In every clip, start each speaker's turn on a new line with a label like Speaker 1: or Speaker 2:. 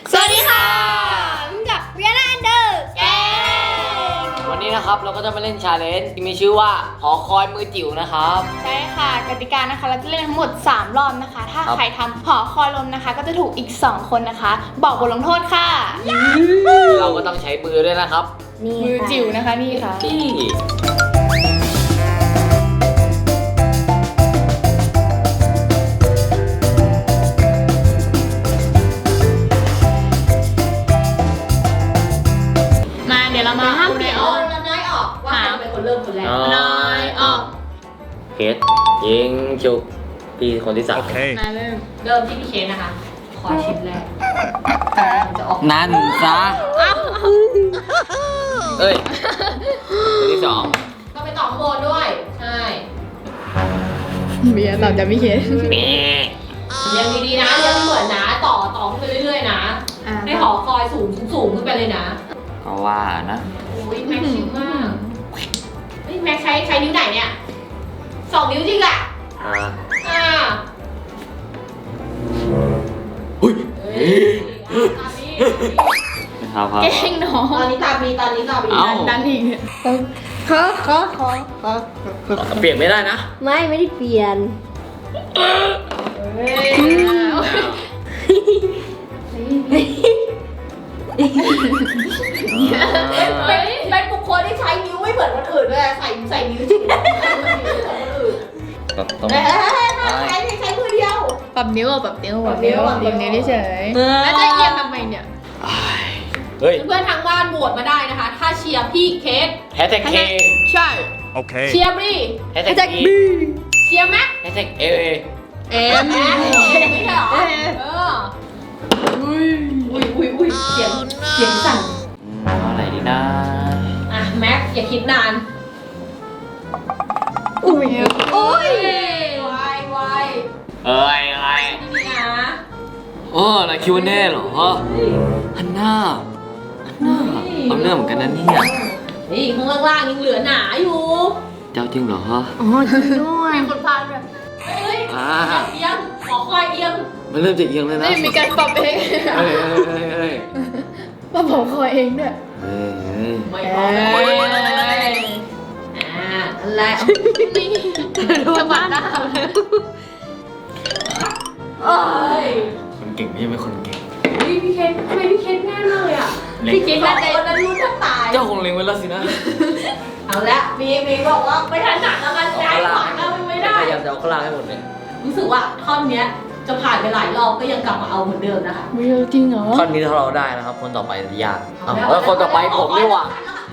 Speaker 1: สวัสดีค่ะกับเวียนาอันเดอร์เกม
Speaker 2: วันนี้นะครับเราก็จะมาเล่นชาเลนจ์ที่มีชื่อว่าหอคอยมือจิ๋วนะครับ
Speaker 1: ใช่ค่ะกติกานะคะเราจะเล่นทั้งหมด3รอบนะคะ ถ้าใครทำหอคอยลมนะคะ ก็จะถูกอีก2คนนะคะ บอกบทลงโทษค่ะ
Speaker 2: เราก็ต้องใช้มือด้วยนะครับ
Speaker 1: มือจิ๋วนะคะนี่ค่ะเดี๋ยวเรามาห้ามเปลี่ยนน้อยออกว่าใครเป็นคนเริ่มคนแรกน้อยออก
Speaker 2: เคสยิงจุกพี่คนที่3
Speaker 1: มาเริ่มที่พี่เคสนะคะขอชิ้นแรกจะออก
Speaker 2: นั่นซะเอ้ยคนที่2
Speaker 1: ก็ไปต่อโบนด้วยใช่เบียร์ตอบจะไม่เคสยังดีๆนะยังเหมือนนะต่อขึ้นไปเรื่อยๆนะให้หอคอยสูงขึ้นไปเลยนะ
Speaker 2: ก็ว่านะ
Speaker 1: โอ้ยแม็กชิวมากเฮ้ยแม็กใช้นิ้วไหนเนี่ย2 นิ้วจริงอ่ะ
Speaker 2: หุ้ย
Speaker 1: ตอนนี้
Speaker 2: เก่
Speaker 1: งเนาะตอนนี้ตาบีดันอีก
Speaker 3: ขอ
Speaker 2: เปลี่ยนไม่ได้นะ
Speaker 3: ไม่ได้เปลี่ยน
Speaker 1: เป็นบุคคลที่ใช้นิ้วไม่เหมือนคนอื่นด้วยใส่นิ้วจริงใช้มือเดียวปรับนิ้วเฉยแล้วจะเอียงทำไมเนี่ย
Speaker 2: เฮ้ย
Speaker 1: เพื่อนทางบ้านโหวตมาได้นะคะถ้าเชียร์พี่เคส
Speaker 2: แฮชแท็กเค
Speaker 1: ใช่
Speaker 2: โอเค
Speaker 1: เชียร์บี
Speaker 2: แฮชแท็กบี
Speaker 1: เชียร์แม็ก
Speaker 2: แฮชแท็กเอ
Speaker 1: ไม่ใช่หรออุ้ยเสียงสั่น
Speaker 2: อะไรดีนะ
Speaker 1: แม็กอย่าคิดนานวาย
Speaker 2: เอ้ยอะไร
Speaker 1: นี่นะ
Speaker 2: อะไรคิวเน่เหรอฮันน่าเอาเนื้อเหมือนกันนะเนี่ย
Speaker 1: นี่ข้างล่างยังเหลือหนาอยู่
Speaker 2: เจ้าจริงเหรอ
Speaker 3: จริงด้วย
Speaker 1: มีคนพาด้วยเอียงขอคอยเอียง
Speaker 2: มันเริ่มจะเอียงเลยนะ
Speaker 1: มีการปรับเองปรับคอยเองด้วยไม่พอเลยอะไรดูจังหวะหน้า
Speaker 2: คนเก่งไม่ใช่คนเก่ง
Speaker 1: พี่เคสทำไมพี่เคสแน่เลยอ่ะพี่เคสน่าจะคนนั้นรู้ทั้งตาย
Speaker 2: เจ้าคงเล็งไว้แล้วสินะ
Speaker 1: เอาละมีบอกว่าไม่ทันหนักแล้วกันย้ายขวาก็ไม่ได้
Speaker 2: พยายามจะเอาข้างล่างให้หมดเลย
Speaker 1: รู้สึกว่าท่อนเนี้ยจะผ่านไปหลายรอบก็ยังกลับมาเอาเหมือนเดิมนะคะ
Speaker 3: ไม่จริงเหรอ
Speaker 2: ท่อนนี้ถ้าเราได้นะครับคนต่อไปจะยากแล้วคนต่อไปผมดีกว่า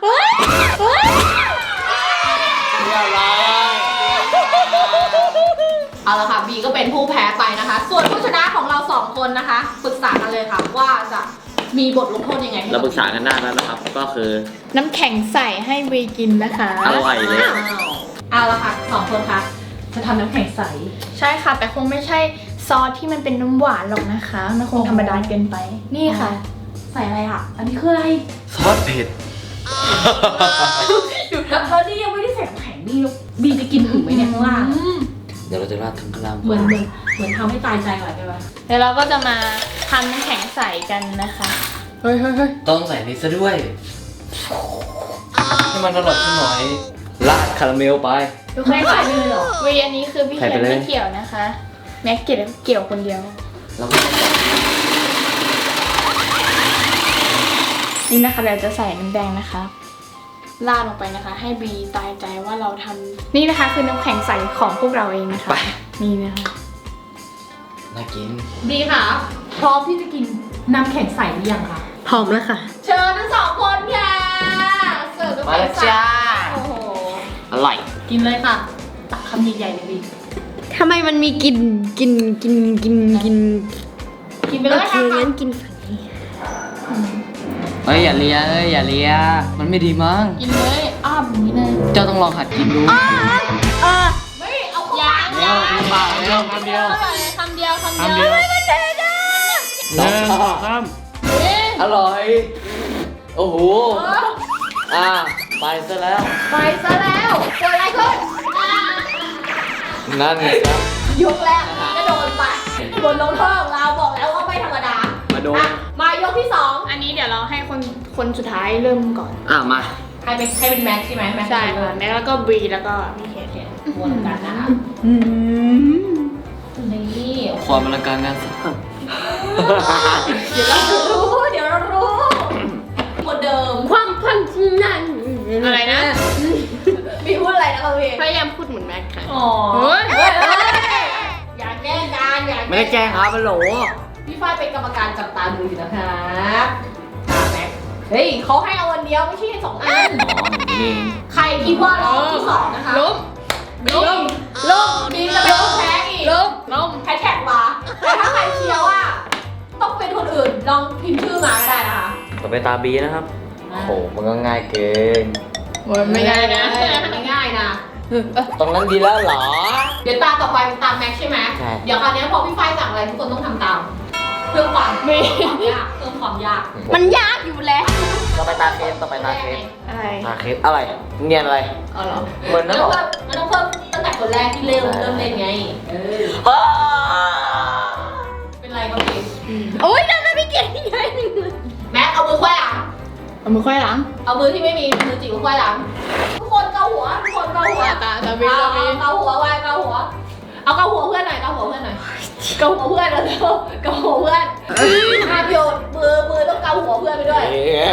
Speaker 1: เอาละค่ะบีก็เป็นผู้แพ้ไปนะคะส่วนผู้ชนะของเรา2คนนะคะปรึกษากันเลยค่ะว่าจะมีบทลงโทษยังไง
Speaker 2: เราปรึกษากันได้แล้วนะครับก็คือ
Speaker 1: น้ำแข็งใส่ให้บีกินนะคะ
Speaker 2: อร่อยเลย
Speaker 1: เอาละค่ะ2คนค่ะจะทำน้ำแข็งใสใช่ค่ะแต่คงไม่ใช่ซอสที่มันเป็นน้ำหวานหรอกนะคะมันคงธรรมดาเกินไปนี่ค่ะใส่อะไรอ่ะอันนี้คืออะไร
Speaker 2: ซอสเผ็ด
Speaker 1: อยู่แล้วนี่ยังไม่ได้ใส่น้ำแข็งนี่บีจะกินถึงไหมเนี่ยข้างล่าง
Speaker 2: เดี๋ยวเราจะราดทั้งข้างล่าง
Speaker 1: เหมือนทำให้ตายใจก่อนใช่ไหมเดี๋ยวเราก็จะมาทำน้ำแข็งใสกันนะคะเฮ้ย
Speaker 2: ต้องใส่นี่ซะด้วยให้มันอร่อยขึ้นหน่อยราดคาราเมลไป
Speaker 1: ทุกคนใส่เลยเหรอวีอันนี้คือพี่เขียนไม่เกี่ยวนะคะแม็กเกี่ยวคนเดียวนี่นะคะเราจะใส่น้ำแดงนะคะราดลงไปนะคะให้บีตายใจว่าเราทำนี่นะคะคือน้ำแข็งใสของพวกเราเองนะคะนี่นะคะ
Speaker 2: น่ากิน
Speaker 1: บีค่ะพร้อมที่จะกินน้ำแข็งใสหรือยังคะ
Speaker 3: พร้อมแล้วค่ะ
Speaker 1: เชิญทั้ง2คนค่ะเสิร์ฟน้ำแข็งใสโอ้โห
Speaker 2: อร่อย
Speaker 1: กินเลยค่ะตักคำใหญ่ๆเลยบี
Speaker 3: ทำไมมันมีกิน
Speaker 1: ไปเลยค่ะ
Speaker 3: งั้นกินฝั่งนี้
Speaker 2: อย่าเลียมันไม่ดีมั้ง
Speaker 1: กินเลยอย่างนี้เลย
Speaker 2: เจ้าต้องลองหัดกินดู
Speaker 1: ไม่เอาเข้าปาก
Speaker 2: เร็วคำเดียว
Speaker 1: ไม่มันเด็ด
Speaker 2: อร่อยโอ้โหไปซะแล้ว
Speaker 1: เกิดอะไรขึ้น
Speaker 2: นั่นไงครับ
Speaker 1: ยกแรกก็โดนไปบนลงโทษของเราบอกแล้วว่าไม่ธรรมดา
Speaker 2: มาดู
Speaker 1: มายกที่สอง
Speaker 3: อันนี้เดี๋ยวเราให้คนสุดท้ายเริ่มก่อน
Speaker 2: มา
Speaker 1: ให้เป็นแม็กใช่ไหมแม็ก
Speaker 3: ใช่ค่ะแม็กแล้วก็บรีแล้วก็พี่เคท
Speaker 1: วนกันนะคะนี่
Speaker 2: ความอลังการงานสร้าง
Speaker 1: เดี๋ยวเรารู้หมดเดิม
Speaker 3: ความพันนันอะไรนะ
Speaker 1: มีพูดอะไรนะครับพี่
Speaker 3: พยายามพูดเหมือนแม็กค่ะ
Speaker 1: อ๋อ
Speaker 3: เฮ้ย
Speaker 1: อย่าแกล้งกันอย่า
Speaker 2: ไม่ได้แจ้งครับฮัลโหล
Speaker 1: พี่ฝ้ายเป็นกรรมการจับตาดูอยู่นะครับแม็กเฮ้ยเขาให้เอาวันเดียวไม่ใช่สองอัน
Speaker 2: นี่
Speaker 1: ใครคิดว่ารอบที่สองนะคะ
Speaker 3: ล้ม
Speaker 1: บีมจะเป็นคนแพ้อีก
Speaker 3: ล้ม
Speaker 1: แฮชแท็กมาแต่ถ้าใครเชียร์ว่าต้องเป็นคนอื่นลองพิมพ์ชื่อมาก็ได้นะคะ
Speaker 2: ต่อไปตาบีนะครับโอ้โหมันก็ง่ายเกิน
Speaker 3: ไม่ได้นะ
Speaker 1: ไม่ง่ายนะ
Speaker 2: ตรงนั้นดีแล้วเหรอ
Speaker 1: เดี๋ยวตาต่อไปเป็นตามแม็กใช่ไหม
Speaker 2: ใช่
Speaker 1: เดี๋ยวคราวนี้พอพี่ฝ้ายสั่งอะไรทุกคนต้องทำตามเพิ่มความยากเพิ่มความยาก
Speaker 3: มันยากอยู่แล้ว
Speaker 2: ต่อไปตาเคสต่อไปตาเคส
Speaker 3: อะไร
Speaker 2: ตาเคสอะไรเนียนอะไร
Speaker 3: อ๋อเหรอ
Speaker 2: เหมือน
Speaker 1: มั
Speaker 2: นั่
Speaker 1: น
Speaker 2: นหรอ
Speaker 1: ต้องเพิ่มตั้งแต่คนแรกที่เริ่มเล่นไงเป็นไรครับพี่
Speaker 3: โอ๊ยทำไมพี่เก่งยังไง
Speaker 1: แม็กเอามือควายหลัง
Speaker 3: เอามือค่อยหลัง
Speaker 1: เอามือที่ไม่มีมือจิ๋วควายหลังทุกคนเกาหัวทุกคนเกาหัว
Speaker 3: ตาบี
Speaker 1: เกาหัวไว้เกาหัวเอาเกาหัวเพื่อนหน่อยเกาหัวเพื่อนหน่อยเกาหัวเพื่อนแล้วเกาหัวเพื่อนห้ามโยนมือต้องเกาหัวเพื่อนไปด้วย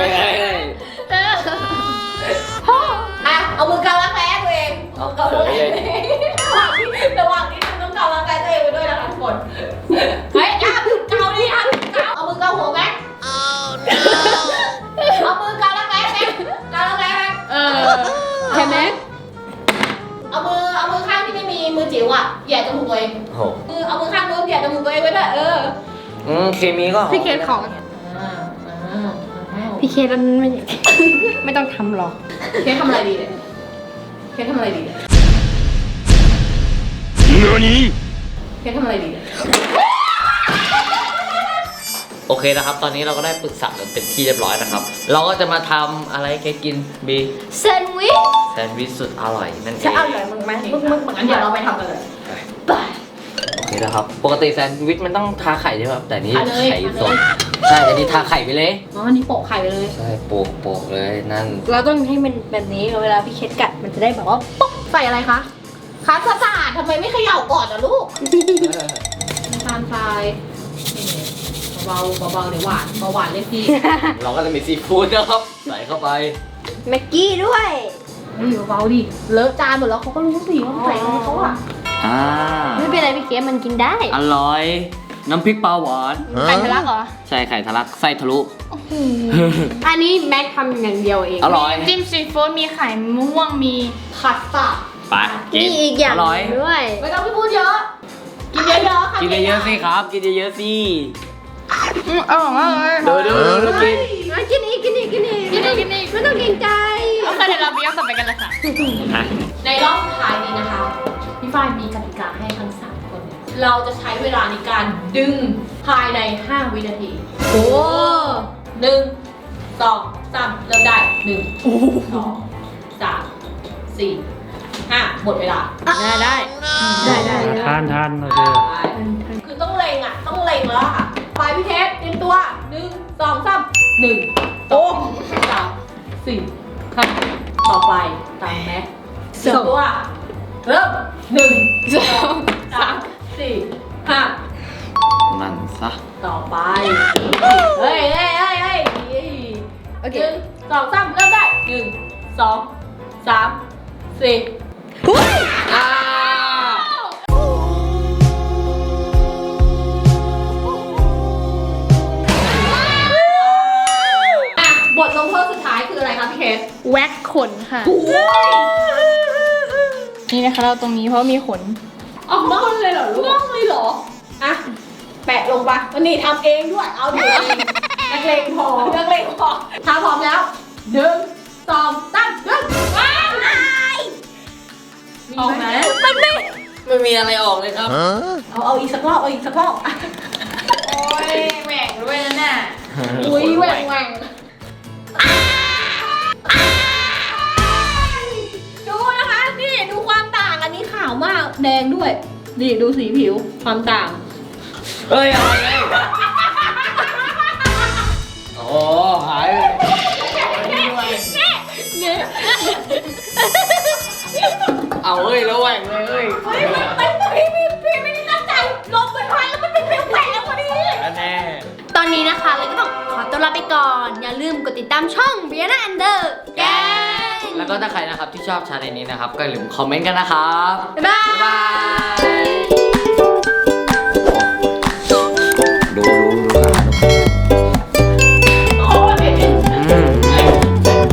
Speaker 1: อ่ะเอามือเการักแร้ตัวเองเอาเการักแร้ระหว่างนี้ต้องเการักแร้ตัวเองไปด้วยนะคะทุกคนเฮ้ยห้ามหยุดเกาดิห้ามหยุดเกาเอามือเกาหัวแม็กเอามือเการักแร้แม็กเการักแร้แม็ก
Speaker 3: ใช่ไหม
Speaker 1: เอามือข้างที่ไม่มีมือจิ๋วอ่ะแหย่จมูกตัวเอง
Speaker 2: โอ้โห
Speaker 1: เอามือข้างนู้นแหย่จมูกตัวเองไว้ด้วย
Speaker 2: เคมีก็
Speaker 3: พี่เคทของพี่เคทมันไม่ต้องทำหรอก
Speaker 1: เคสทำอะไรดีเนี่ยเคสทำอะไรดีเนี่ยเคสทำอะไรดีเนี่ย
Speaker 2: โอเคนะครับ ตอนนี้เราก็ได้ปรึกษากันเป็นที่เรียบร้อยนะครับ เราก็จะมาทำอะไรแกกินบี
Speaker 3: แซนด์วิช
Speaker 2: แซนด์วิชสุดอร่อยนั่นเอง
Speaker 3: จะอร่อยมึงไหมมึง
Speaker 1: งั้นเดี๋ยวเราไปทำกันเลย
Speaker 3: ไป
Speaker 2: โอเคนะครับ ปกติแซนด์วิชมันต้องทาไข่ใช่ไหมครับแต่นี่
Speaker 1: ทาเลย
Speaker 2: ไข่สดใช่แต่นี่ทาไข่ไปเลย
Speaker 1: อ๋ออันนี้โปะไข่ไปเลย
Speaker 2: ใช่โปกเลยนั่น
Speaker 3: เราต้องให้มันแบบนี้เวลาพี่เคทกัดมันจะได้แบบว่าปุ๊บ
Speaker 1: ใส่อะไรคะคัสตาร์ดทำไมไม่เขย่าก่อนอ่ะลูกน้ำตาลทรายเบาเดี๋ยวหวานหวานเลยพี่
Speaker 2: เราก็จะมีซีฟู้ดนะครับ ใส่เข้าไป
Speaker 3: แม็กกี้ด้วย
Speaker 1: เบาดิเลอะจานหมดแล้วเขาก็รู้สิว่าใส่อะไรเขาอ่ะ
Speaker 3: ไม่เป็นไรพี่เคทมันกินได้
Speaker 2: อร่อย น้ำพริกปลาหวาน
Speaker 3: ไข่ทะลักเหรอ
Speaker 2: ใช่ไข่ทะลักไส้ทะลุ
Speaker 3: อันนี้แม็กทำอย่างเดียวเอง
Speaker 2: อร่อย
Speaker 3: จิ้มซีฟู้ดมีไข่ม่วงมี
Speaker 1: คัสตาร์ด
Speaker 2: ไปกิ
Speaker 3: มี
Speaker 2: น
Speaker 3: อีกอย่าง
Speaker 2: อร่อย
Speaker 3: ด้วย
Speaker 1: ไม่ต้องไปพูดเยอะ กินเยอะๆค่ะ
Speaker 2: กินเยอะๆสิครับ กินเยอะๆสิ
Speaker 3: อร่อยมากเลย
Speaker 2: ดูกิน
Speaker 3: กินอีกไม่ต้องเกรงใจโอเคเดี๋ยวเราไปย้อนต่อไปกันเลยค่ะ
Speaker 1: ในรอบสุดท้ายนี้นะคะ พี่ฝ้ายมีกติกาให้ทั้ง3คน เราจะใช้เวลาในการดึงภายใน 5 วินาที
Speaker 3: โอ้
Speaker 1: 1 2 3 เริ่มได้ 1 2 3 4 5 หมดเวลา
Speaker 3: ได้
Speaker 4: ทานโอเค
Speaker 1: คือต้องเล็งอ่ะ ต้องเล็งแล้วอะค่ะไปพี่เทสเตรียมตัว 1 2 3 1 2 3 4 5ต่อไปตามแม็กเตรียมตัว เริ่ม 1 2 3 4 5
Speaker 2: นั่นซะ
Speaker 1: ต่อไป เฮ้ย
Speaker 3: โอเค
Speaker 1: 1 2 3 เริ่มได้ 1 2 3 4 บทลงโทษสุดท้ายคืออะไรคะพี่เคส
Speaker 3: แว็กขนค่ะ นี่นะคะเราตรงนี้เพราะมีขน
Speaker 1: ออกบ้องเลยเหรอลูกบ้องเลยเหรอ อ่ะ แปะลงไปวันนี้ทำเองด้วย เอาดินักเลงพอถ้าพร้อมแล้ว1 2 3 เริ่มว้าวออกไหม
Speaker 2: ไม่มีอะไรออกเลยครับ
Speaker 1: เอาอีกสักรอบ
Speaker 3: โอ้ยแหว่งด้วยนะน่ะ
Speaker 1: อุ้ยแหว่งดูนะคะ นี่ดูความต่าง อันนี้ขาวมาก แดงด้วย นี่ดูสีผิว ความต่าง
Speaker 2: เฮ้ยอะไรเนี่ยฮ้ยแล้วแหวกเลยเฮ้ย
Speaker 1: เฮ้ยพี่ไม่ได้ตั้งใจลมมันพัดแล้วมันเป็นแหวกพอดี
Speaker 2: แน่
Speaker 3: ตอนนี้นะคะเราก็ต้องขอตัวลาไปก่อน อย่าลืมกดติดตามช่อง Brianna and the Gang
Speaker 2: แล้วก็ถ้าใครนะครับที่ชอบชาเลนจ์นี้นะครับก็อย่าลืมคอมเมนต์กันนะครับ
Speaker 3: บ๊ายบาย